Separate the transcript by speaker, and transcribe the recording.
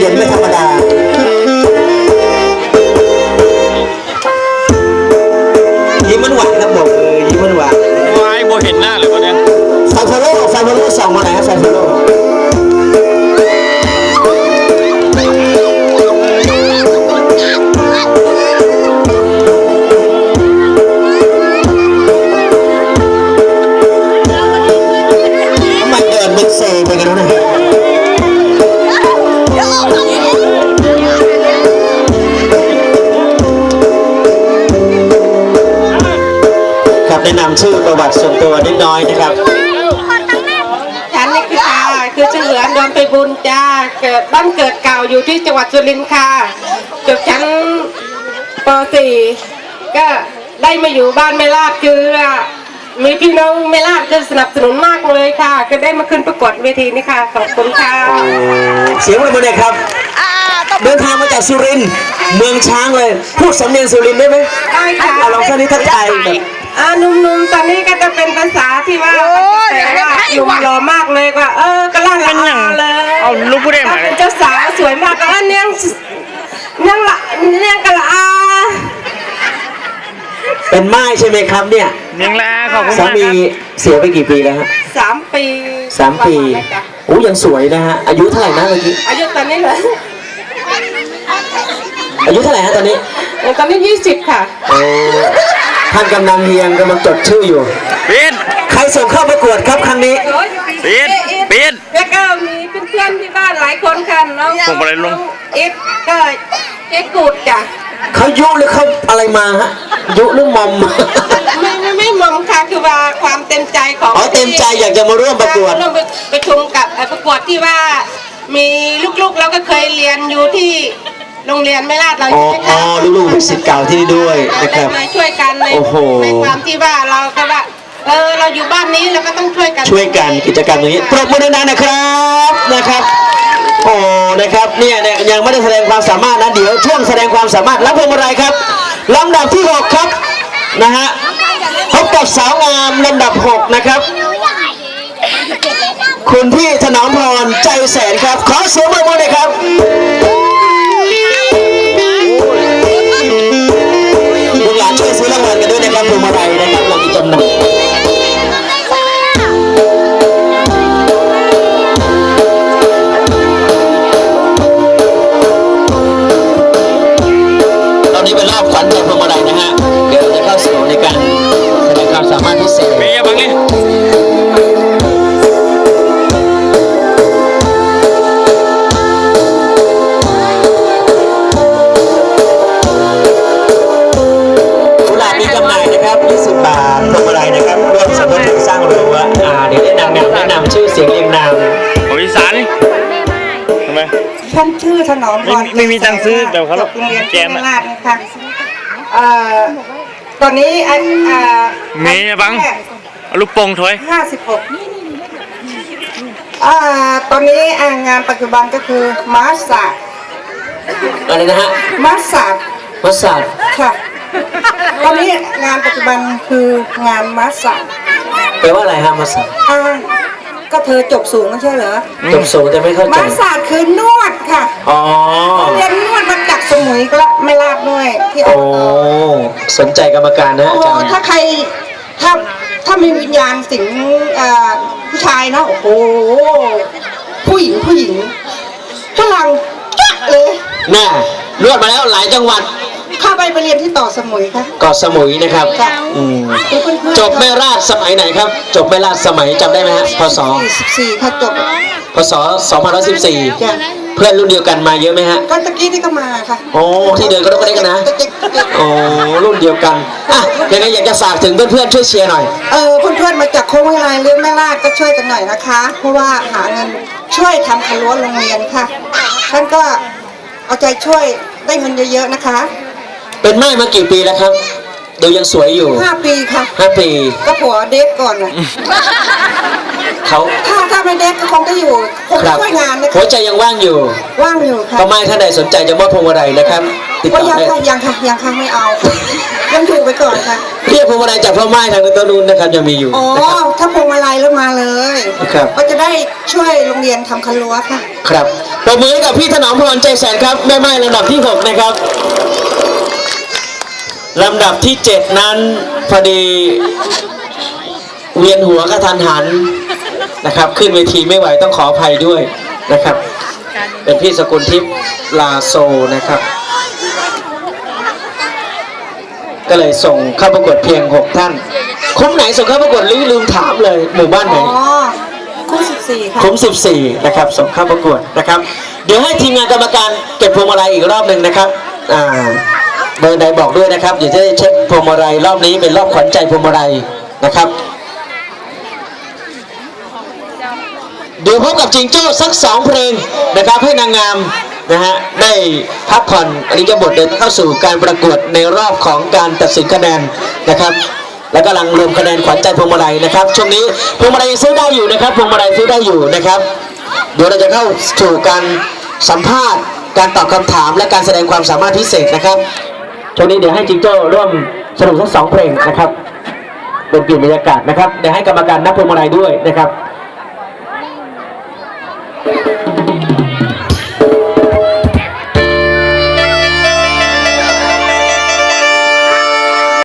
Speaker 1: ย็นไม่ธรรมดายิ้มมันหวานครับบอกยิ้มมันหวาน
Speaker 2: วายโบเห็นหน้าเลยวันนี้
Speaker 1: ไฟโฟโล่ส่องมาไหนครับไฟโฟโล่ไปกันแล้วนะครับแนะนำชื่อประวัติส่วนตัวนิดน้อยนะครับ
Speaker 3: ฉันนี่คือชื่อเหลือดอนไปบุญจ้าเกิดบ้านเกิดเก่าอยู่ที่จังหวัดสุรินทร์ค่ะจบชั้นป .4 ก็ได้มาอยู่บ้านแม่ลาดคือมีพี่น้องแม่ลาดจะสนับสนุนมากเลยค่ะก็ได้มาขึ้นประกวดเวทีนี้ค่ะขอบคุณค่ะ
Speaker 1: เสียงอะไรครับเดินทางมาจากสุรินทร์เมืองช้างเลยพูดสำเนียงสุรินทร์ได้ไหม
Speaker 3: ได้ค่ะ
Speaker 1: ลองสักนิดทักทายแบบ
Speaker 3: หนุ่มๆตอนนี้ก็จะเป็นภาษาที่ว่าอยู่รอมากเลยก็กำลังเลย
Speaker 2: เอาลูกผู้ได้ไหม
Speaker 3: เป็นเจ้าสาวสวยมากก็เนียงกะละ
Speaker 1: เป็นไม้ใช่ไหมครับเนี่ย
Speaker 2: เนียงละขอบคุณ
Speaker 1: สามีเสียไปกี่ปีแล้วฮะ
Speaker 3: 3 ปี
Speaker 1: โอ้ยังสวยนะฮะอายุเท่าไหร่นะเมื่อกี้
Speaker 3: อายุตอนนี้เหรอ
Speaker 1: อายุเท่าไหร่ฮะตอนนี้
Speaker 3: 20ค่ะ
Speaker 1: ท่านกำนันเฮียงกำลังจดชื่ออยู่
Speaker 2: ปีน
Speaker 1: ใครส่งเข้าประกวดครับครั้งนี้
Speaker 2: ปีน
Speaker 3: แล้วก็มีเพื่อนที่บ้านหลายคนค่ะน้องอิฟก็เจ๊กูดจ้ะ
Speaker 1: เขายุหรือเขาอะไรมาฮะยุหรือมอม
Speaker 3: ไม่มอมค่ะคือว่าความเต็มใจของ
Speaker 1: เต็มใจอยากจะมาร่วมประกวด
Speaker 3: ร่วมประชุมกับประกวดที่ว่ามีลูกๆเราก็เคยเรียนอยู่ที่โรงเรียนแม่ลาดเราใช่ไหมคะ
Speaker 1: ลูกๆเป็นศิษย์เก่าที่นี่ด้วยนะครับ
Speaker 3: มาช่วยกันในความที่ว่าเราก็ว่าเราอยู่บ้านนี้เราก็ต้องช่วยกัน
Speaker 1: กิจกรรมอย่างนี้ปรบมือดังๆนะครับนะครับเนี่ยยังไม่ได้แสดงความสามารถนะเดี๋ยวช่วงแสดงความสามารถรับพวงมาลัยครับลำดับที่6ครับนะฮะพบกับสาวงามลำดับ6นะครับคุณพี่ถนอมพรใจแสนครับขอเสียงปรบมือเลยครับลูกหลานช่วยซื้อรางวัลกันด้วยนะครับพวงมาลัยนะครับเรามีจำหน่ายนี่เป็นรอบขวัญใจพวงมาลัยนะฮะเดี๋ยวจะเข้าสู่ในการแสดงความสามารถพิเศษ
Speaker 2: มีอะไรบ้างเนี่ย
Speaker 1: กุหลาบมีจำหน่ายนะครับ20 บาทพวงมาลัยนะครับร่วมสมทบทุนสร้างรั้วเดี๋ยวแนะนำชื่อเสียงเรียงนาม
Speaker 2: ของอีสานทำไม
Speaker 3: ท่านชื่อถนอมพร
Speaker 2: ไม่มีตังค์ซื้อแต่เขา
Speaker 3: โรงเรียนแกมลาดนะคะตอนนี้
Speaker 2: มีบังลูกโป่งถอย
Speaker 3: 56ตอนนี้งานปัจจุบันก็คือมาสา
Speaker 1: อะไรนะฮะ
Speaker 3: มาสาค่ะตอนนี้งานปัจจุบันคืองานมาสา
Speaker 1: แปลว่าอะไรฮะมาสา
Speaker 3: ก็เธอจบสูงไม่ใช่เหรอ
Speaker 1: จบสูงแต่ไม่เข้าใจ
Speaker 3: มาสาคือนวดค่ะเรียนนวดมาจากสมุยก็ไม่ลาดด้วยที่
Speaker 1: สนใจกรรมการนะอาจารย์
Speaker 3: ถ้าใครถ้ามีวิญญาณสิงผู้ชายนะโอ้โหผู้หญิงพลังจ๊ะเลย
Speaker 1: น่านวดมาแล้วหลายจังหวัด
Speaker 3: เข้าไปเรียนที่ต่อสมุยค่ะ
Speaker 1: เกาะสมุยนะครับจบแม่ราชสมัยไหนครับจบแม่ราชสมัยจำได้ไหมฮะพศ
Speaker 3: 14ค่ะจบ
Speaker 1: พศ2514เพื่อนรุ่นเดียวกันมาเยอะไหมฮะ
Speaker 3: ก็ตะกี้ที่ก็มาค่ะ
Speaker 1: ที่เดินก็ต้องได้กันนะรุ่นเดียวกันยังไงอยากจะฝากถึงเพื่อนๆช่วยเชียร์หน่อย
Speaker 3: เพื่อนๆมาจากโค้งวิไลเรื่องแม่ราชก็ช่วยกันหน่อยนะคะเพราะว่าหาเงินช่วยทำครัวโรงเรียนค่ะท่านก็เอาใจช่วยได้เงินเยอะๆนะคะ
Speaker 1: เป็นไม้มากี่ปีแล้วครับดูยังสวยอยู่
Speaker 3: 5 ปีค่ะ
Speaker 1: 5 ปี
Speaker 3: ก็ผัวเด็กก่อน
Speaker 1: เขา
Speaker 3: ถ้าไม่เด็กก็คงจะอยู่คงช่วยงานนะคะ
Speaker 1: หัวใจยังว่างอยู่
Speaker 3: ค่ะ
Speaker 1: ก็ไม่ท่านใดสนใจจะมอบพวงมาลัยนะครับติด
Speaker 4: ก็
Speaker 1: ต่อ
Speaker 4: ยัง
Speaker 1: ได้
Speaker 4: ค่ะยังไม่เอายังถูกไปก่อนค่ะ
Speaker 1: เรียกพวงมาลัยจากพ่อไม้ทางตัวนู้นนะครับยังมีอยู่
Speaker 4: อ๋อ
Speaker 1: นะครับ
Speaker 4: ถ้าพวงมาลัยแล้วมาเลย
Speaker 1: ครับ
Speaker 4: ก็จะได้ช่วยโรงเรียนทำคันรั้วค่ะ
Speaker 1: ครับปรบมือให้กับพี่ถนอมพรใจแสนครับแม่ไม้ลำดับที่ 6 นะครับลำดับที่ 7 นั้นพอดีเวียนหัวกระทันหันนะครับ ขึ้นเวทีไม่ไหวต้องขออภัยด้วยนะครับ เป็นพี่สกุลทิพย์ลาโซนะครับ ก็เลยส่งเข้าประกวดเพียง 6 ท่านคุ้มไหนส่งเข้าประกวดลืมถามเลยหมู่บ้านไหน
Speaker 4: อ๋อคู่14ค่ะ
Speaker 1: คุ้ม14นะครับส่งเข้าประกวดนะครับ เดี๋ยวให้ทีมงานกรรมการเก็บพวงมาลัยอีกรอบหนึ่งนะครับเบอร์ใดบอกด้วยนะครับเดี๋ยวจะได้เช็คพวงมาลัยรอบนี้เป็นรอบขวัญใจพวงมาลัยนะครับ เดี๋ยวพบกับจิงโจ้สัก2 เพลงนะครับให้นางงามนะฮะได้พักผ่อนอริยบทเดินเข้าสู่การประกวดในรอบของการตัดสินคะแนนนะครับ แล้วกำลังรวมคะแนนขวัญใจพวงมาลัยนะครับช่วงนี้พวงมาลัยยังซื้อได้อยู่นะครับพวงมาลัยซื้อได้อยู่นะครับ เดี๋ยวเราจะเข้าสู่การสัมภาษณ์การตอบคำถามและการแสดงความสามารถพิเศษนะครับช่วงนี้เดี๋ยวให้จิงโจ้ร่วมสนุกสัก2 เพลงนะครับเป็นเปลี่ยนบรรยากาศนะครับเดี๋ยวให้กรรมการนับพวงมาลัยด้วยนะครับ